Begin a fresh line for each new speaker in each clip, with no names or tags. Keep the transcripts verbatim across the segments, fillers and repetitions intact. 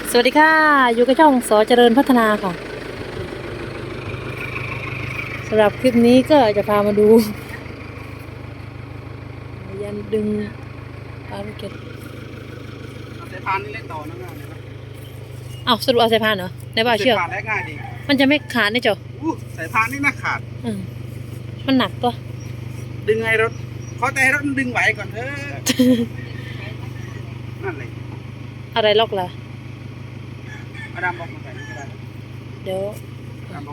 สวัสดีค่ะอยู่กับช่องสอเจริญพัฒนาค่ะสำหรับคลิปนี้ก็จะพามาดูยันดึงปลาลูกเกด
เอาสายพานนี่เล่นต่อนะง่ายนะ
อ้าวสรุปเอาสายพานเหรอในบ้าเชือก
สายพานได้ง่ายดี
มันจะไม่ขาดนี่จ้ะ
อู้สายพานนี่น่าขาด
อืมมันหนักปะ
ดึงไงรถขอแต่ให้รถมันดึงไหวก่อนเถอะนั่นเลย
อะไรล็อกล่ะ
อาดามบอกมาใส่นี่ก็ได้
เดี๋ยว
อาดามบอก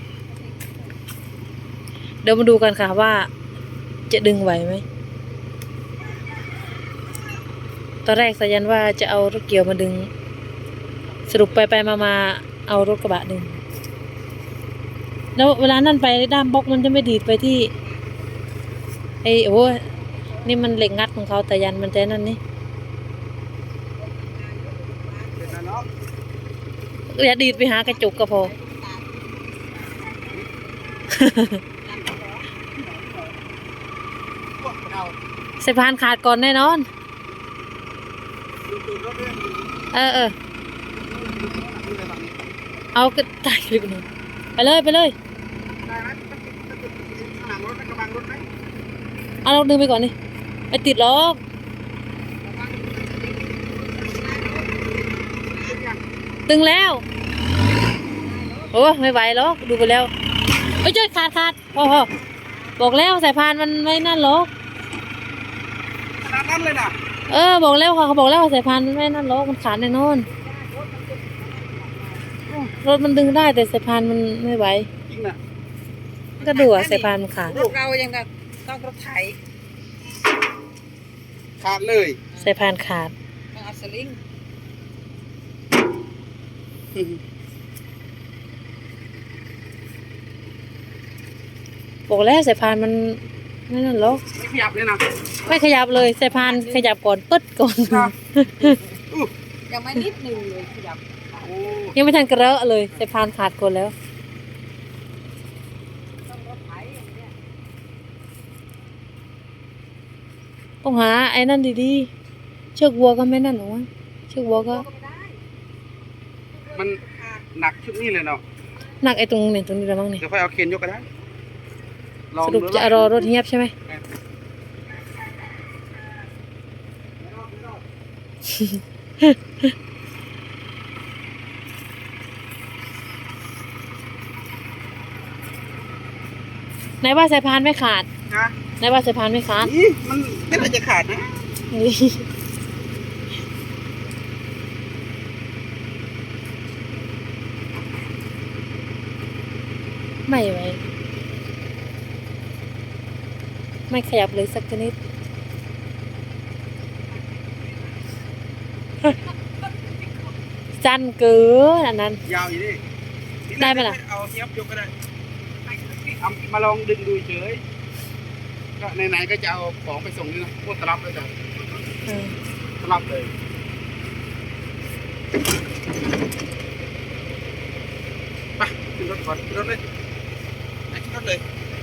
เดี๋ยวมาดูกันค่ะว่าจะดึงไหวไหมตอนแรกสายันว่าจะเอารถเกี่ยวมาดึงสรุปไปไปมามาเอารถกระบะดึงแล้วเวลานั่นไปด้ามบล็อกมันจะไม่ดีดไปที่ไอ้โอ้นี่มันเหล็กงัดของเขาแต่ยันมันแต่นั่นนี่
เสร็จแล้วเนาะ
อย่าดีดไปหากระจกก็พอ
พวกเรา
สายพานขาดก่อนแน่นอน
ดูดูรถด้วย
เออเออ
ดูเลยแบบนี้
เอาก็ตายคลิปนี้ไปเลยไปเลย
ได้ไหมมันติดมันติดข้างหลังรถมันกำลังรถไหม
เอาเราดึงไปก่อนนี่ไปติดล็อกตึงแล้วโอ้ไม่ไหวหรอกดูไปแล้วเอ้ยเจ้าขาดขาดพอพอบอกแล้วสายพานมันไม่นั่นหรอก
ขนาดนั้นเลยนะ
เออบอกแล้วค่ะเขาบอกแล้วว่าสายพานมันไม่นั่นหรอกมันขาดแน่นอนรถมันดึงได้แต่สายพานมันไม่ไหว
จริงนะ
ก็ดูอะสายพานมันขาด
รถเรายังแบบต้องรถไถขาดเลย
สายพานขาด
ต้องเอาสลิง
บอกแล้วสายพานมันไม่นั่นหรอก
ไม่ขยับเลยนะ
ไม่ขยับเลยสายพานขยับก่อนปึ๊ดก่อน
ยังไม่นิดหนึ่งเลยขยับโอ้
ยังไม่ทันกระเรอะเลยสายพานขาดก่อนแล้วต้องหาไอ้นั่นดีๆเชือกวัวก็ไม่นั่นหรอวะเชือกวัวก็
มันหนักชุดนี้เลยเนาะ
หนักไอ้ตรงเนี่ยตรงนี้ละมั้งเนี่ย
เดี๋ยวค่อยเอาเคนยกก็ได้ลอง
สรุป
ดู
จะรอรถเงียบใช่ไหม ไหนว่าสายพานไม่ขาด
นะ
ไหนว่าสายพานไม่ขาด
นี่มันไม่น่าจะขาดนะ
ไม่ไหวไม่ขยับเลยสักนิดสั้นเกินอันนั้น
ยาวอยู่ดิ
ได้ไหมล่ะ
เอาเทียบยกก็ได้เอามาลองดึงดูเฉยก็ไหนๆก็จะเอาของไปส่งนี่นะพวกตลับเลยจ้ะ
เออ
ตลับเลยไปขึ้นรถก่อนขึ้นรถเลยไปขึ้นรถเลย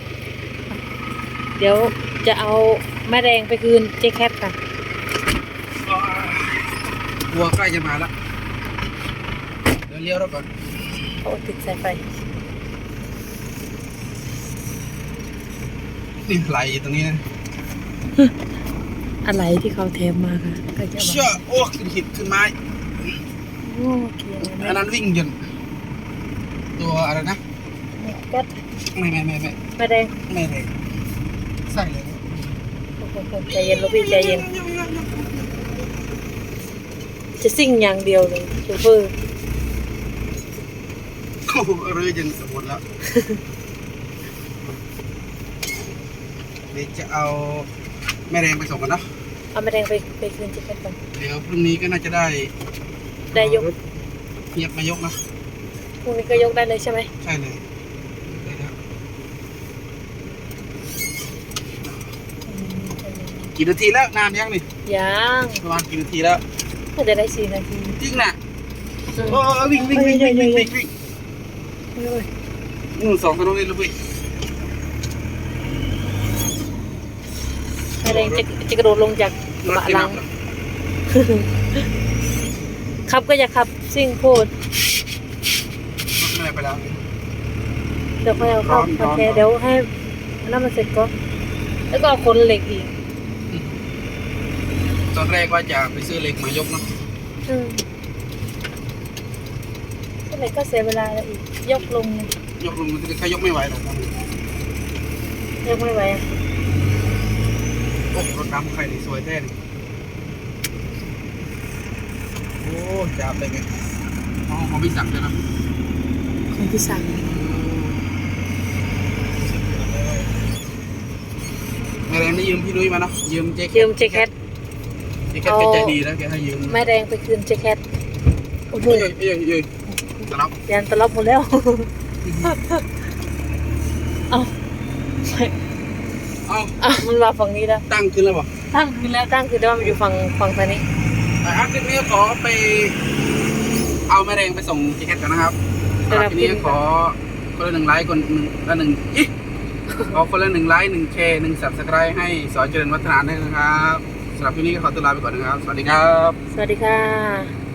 เดี๋ยวจะเอาแม่แรงไปคืนเจ๊แคทค่ะ
วัวใกล้จะมาแล้วเดี๋ยวเลี้ยวรถก่อน
เขาติดสายไฟ
นี่ไหลอยู่ตรงนี้นะ
อะไรที่เขาเทมมาค่ะก็จะ
เชื่อโอ้ขึ้นหินขึ้นไม้
โอ้เกียร์
อันนั้นวิ่งยนต์ตัวอะไรนะ
ก็
ไม่ไม่ไม่ไม่
แม่แรง
ไม่เลยใส่เลย
ใจเย็นลูกพี่ใจเย็นจะซิ่งอย่างเดียวเลยโชเฟอร์
โอ้โหเรือจนสมบูรณ์แล้วเดี๋ยวจะเอาแม่แรงไปส่งกันเนาะ
เอาแม่แรงไปไปคืนเจ๊แคทก่อน
เดี๋ยวพรุ่งนี้ก็น่าจะได้
ได้ยก
รถเงียบมายกนะ
พรุ่งนี้ก็ยกได้เลยใช่ไหม
ใช่เลยได้แล้วกี่นาทีแล้วนานยังนี่
ยัง
ประมาณกี่นาทีแล้ว
ก็จะได้สี่นาที
จริงน่ะโอ้วิ่งวิ่งวิ่งวิ่งวิ่งวิ่งวิ่งนู่นสองถนนนี่ลูกพี่
แม่แรงจะจะกระโดดลงจากกระ
รถ
บะ
ที่
หลั
นั
ง
บ
ขับก็อย่าขับซิ่งโพด
ไม่ได้ไปแล้ว
เดี๋ยวค่อยเอาเข้า
ร้อน
โอ
ร้อน
เคเดี๋ยวให้น้ำมันเสร็จก็แล้วก็เอาคนเหล็กอีก
ตอนแรกว่าจะไปซื้อเหล็กมายกเนาะ
อืมคนเหล็กก็เสียเวลาแล้วอีก ยกลงเนี่ย
ยกลงมันแค่ยกไม่ไหวหรอก
ยกไม่ไหวอ่ะ
โอ้รถดำใครนี่สวยแท้นี่โอ้จับเลยไงอ๋อของพี่สั่งเลยนะ
ของพี่สั่ง
แม่แรงได้ยืมพี่นุ้ยมาเนาะยืมเจ๊แคท
ยืมเจแคท
เจ๊แคทแกใจดีแล้วแกให้ยืม
แม่แดงไปคืนเจแคทโอ้โห
เอ้ยเอ้ยเอ้ยตลับ
ยันตลบหมดแล้ว เอา
เอ้า
เอามันมาฝั่งนี้แล้ว
ตั้งขึ้นแล้วบ่
ตั้งคืนแล้วตั้งคือได้ว่ามันอยู่ฝั่งฝั่งทางนี้
แต่อาทิตย์นี้ขอไป เอาแม่แรงไปส่งเจ๊แคทกันนะครับสำหรับทีนี้ขอคนละหนึ่งไลค์คนหนึ่งละหนึ่งอิขอคนละหนึ่งไลค์หนึ่งแชร์หนึ่งสับสไครต์ให้สอนเจริญวัฒนาด้วยนะครับสำหรับทีนี้ก็ขอตัวลาไปก่อนนะครับ สวัสดีครับ
สวัสดีค่ะ